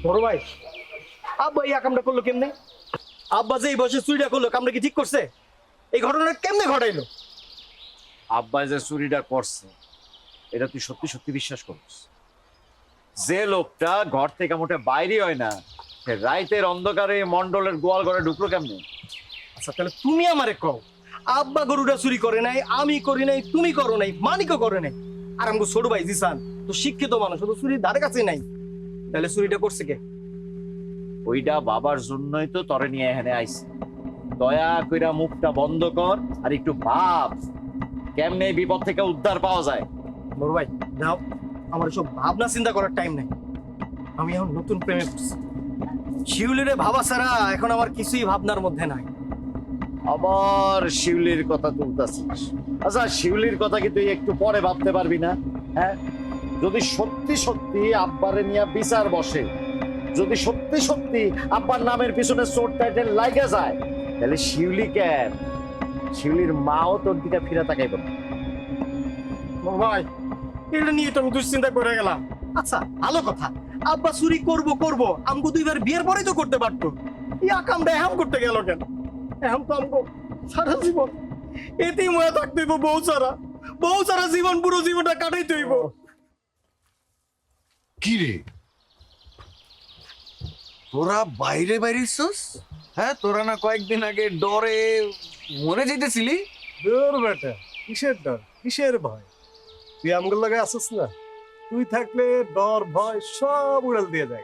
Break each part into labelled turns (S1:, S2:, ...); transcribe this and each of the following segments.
S1: বড় ভাই, আব্বা এই কামটা করলো কেমনে? আব্বা যে এই বয়সে চুরিটা করলো, কামটা কি ঠিক করছে? এই ঘটনা কেমনে ঘটাইলো?
S2: আব্বা যে চুরিটা করছে এটা তুই সত্যি সত্যি বিশ্বাস করিস? যে লোকটা ঘর থেকে মোটে বাইরে হয় না, সে রাইতের অন্ধকারে মন্ডলের গোয়াল ঘরে ঢুকলো কেমনে?
S1: আচ্ছা তাহলে তুমি আমারে কও, আব্বা গরুটা চুরি করে নাই, আমি করি নাই, তুমি করো নাই, মানিকও করে নাই, আর আমগো ছোট ভাই জিসান তো শিক্ষিত মানুষ, তো চুরির ধারে কাছে নাই, তাহলে চুরিটা করছে কে?
S2: ওইটা বাবার জন্যই তো তরে নিয়ে এখানে আইছে। দয়া কইরা মুখটা বন্ধ কর আর একটু ভাব কেমনে এই বিপদ থেকে উদ্ধার পাওয়া যায়।
S1: বড় ভাই দাও, আমার সব ভাবনা চিন্তা করার টাইম নাই, আমি এখন নতুন প্রেমে পড়ছি। শিউলিরে ভাবা ছাড়া এখন আমার কিছুই ভাবনার মধ্যে নাই।
S2: আবার শিউলির কথা তুলতাছিস? আচ্ছা শিউলির কথা কি তুই একটু পরে ভাবতে পারবি না? হ্যাঁ, যদি সত্যি সত্যি আব্বারে নিয়ে বিচার বসে, যদি সত্যি সত্যি আব্বার নামের পিছনে চোর টাইটেল লাগা যায়, তাহলে শিউলি কেন, শিউলির মাও তোর দিকে ফিরে তাকাইব না।
S1: বড় ভাই, এটা নিয়ে তো আমি দুশ্চিন্তা করে গেলাম। আচ্ছা ভালো কথা, আব্বা চুরি করবো করবো, আমগো দুইবার বিয়ের পরেই তো করতে পারতো, ইয়া কামটা এখন করতে গেল কেন? এখন তো আমগো সারা জীবন এতেই মনে থাকতে হইব, বউ সারা জীবন, পুরো জীবনটা কাটাইতে হইব।
S3: কি রে, তোরা বাইরে বাইরেছিস? হ্যাঁ, তোরা না কয়েকদিন আগে ডরে মরে যেতেছিলি?
S4: দূর বেটা, কিসের ডর, কিসের ভয়? তুই আমগুলো লাগে আসিস না, তুই থাকলে ডর ভয় সব উড়াল দিয়ে যায়।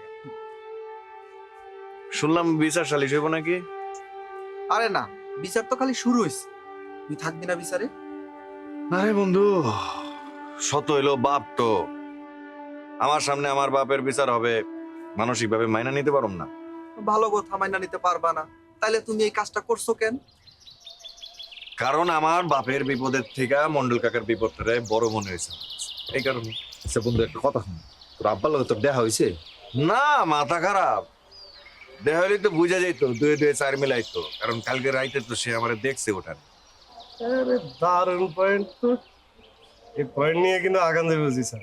S3: শুনলাম বিচার সালিশ হইব নাকি?
S5: আরে না, বিচার তো খালি শুরু হয়েছে, তুই থাকবি না বিচারে?
S3: আরে বন্ধু, শত হইলো বাপ তো, আমার সামনে আমার বাপের বিচার হবে, মানসিক ভাবে মাইনা নিতে পারম না।
S5: ভালো কথা, মাইনা নিতে পারবা না, তাইলে তুমি এই কাজটা করছো কেন?
S3: কারণ আমার বাপের বিপদের থেকে মন্ডল কাকার বিপদটা বড় মনে হয়েছে, এই কারণে।
S6: আচ্ছা বন্ধু, একটা কথা শুন, তোর আব্বার লগে তোর দেখা হয়েছে?
S3: না, মাথা খারাপ, দেখা হইলে তো বুঝা যাইতো, দুয়ে দুয়ে চার মিলাইতো, কারণ কালকে রাইতে তো সে আমার দেখছে ওঠার।
S4: আরে দারুণ পয়েন্ট তো, এই পয়েন্ট নিয়ে কিন্তু আগান দেবে স্যার।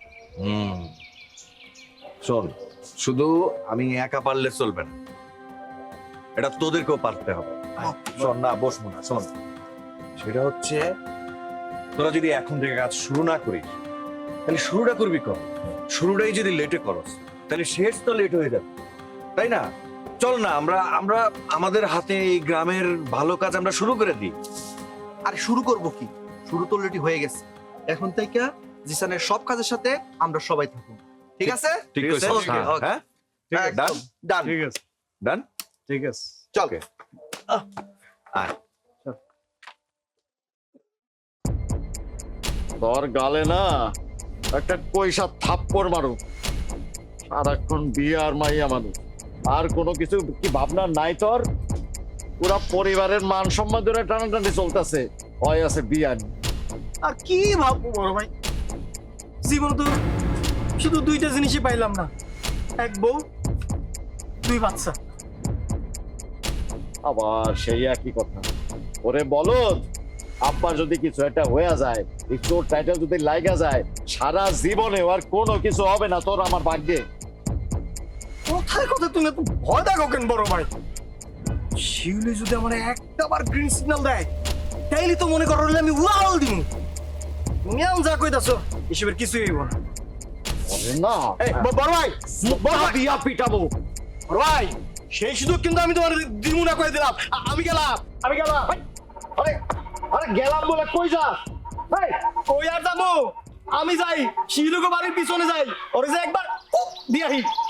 S3: শোন, শুধু আমি একা পারলে চলবে না, এটা তোদেরকেও পারতে হবে। শোন না, বসবো না, শোন, সেটা হচ্ছে তোরা যদি এখন থেকে কাজ শুরু না করিস, তাহলে শুরুটা করবি কর, শুরুটাই যদি লেটে করস তাহলে শেষ তো লেট হয়ে যাবে, তাই না? চল না, আমরা আমরা আমাদের হাতে এই গ্রামের ভালো কাজ আমরা শুরু করে দিই।
S5: আরে শুরু করব কি, শুরু তো অলরেডি হয়ে গেছে। এখন থেকে জিসানের সব কাজের সাথে আমরা সবাই থাকুন, ঠিক আছে?
S3: ঠিক আছে?
S5: Okay, okay.
S3: হ্যাঁ,
S5: একদম ডান।
S4: ঠিক আছে,
S3: ডান।
S4: ঠিক আছে,
S5: চল।
S3: আয়।
S2: তোর গালে না একটা পয়সা থাপ্পড় মারু, সারাক্ষণ বিয়ে আর মাইয়া মানুষ, আর কোনো কিছু কি ভাবনা নাই তোর? পুরা পরিবারের মান সম্মান ধরে টানাটানি চলতেছে, হয় আছে বিয়া নিয়ে।
S1: আর কি ভাববো বড় ভাই, জীবন তো শুধু দুইটা জিনিসই পাইলাম না, এক বউ, দুই বাচ্চা।
S2: আবার সেই একই কথা। ওরে বলদ, আব্বার যদি কিছু একটা হয়ে যায়, এই চোর টাইটেল যদি লাগা যায়, সারা জীবনে আর কোনো কিছু হবে না তোর আমার ভাগ্যে।
S1: কোথায় কোথায় তুমি এত ভয় দেখো কেন বড় ভাই? শিউলি যদি আমার একটাবার গ্রিন সিগন্যাল দেয়, তাইলে তো মনে করো আমি উড়াল দিব। তুমি এখন যা কইতাছো এসবের কিছুই হইব না।
S2: ওরে না,
S1: এই বড় ভাই, বড় ভাই,
S2: বিয়া পিটাবো।
S1: বড় ভাই, সেই সুযোগ কিন্তু আমি তোমার দিমু না কই দিলাম। আমি গেলাম।
S2: আরে আরে গেলাম বলে কই যাস? এই
S1: কই আর যাবো? আমি যাই শিলুকে বাড়ির পিছনে যাই, ওরে যে একবার দিয়াহি।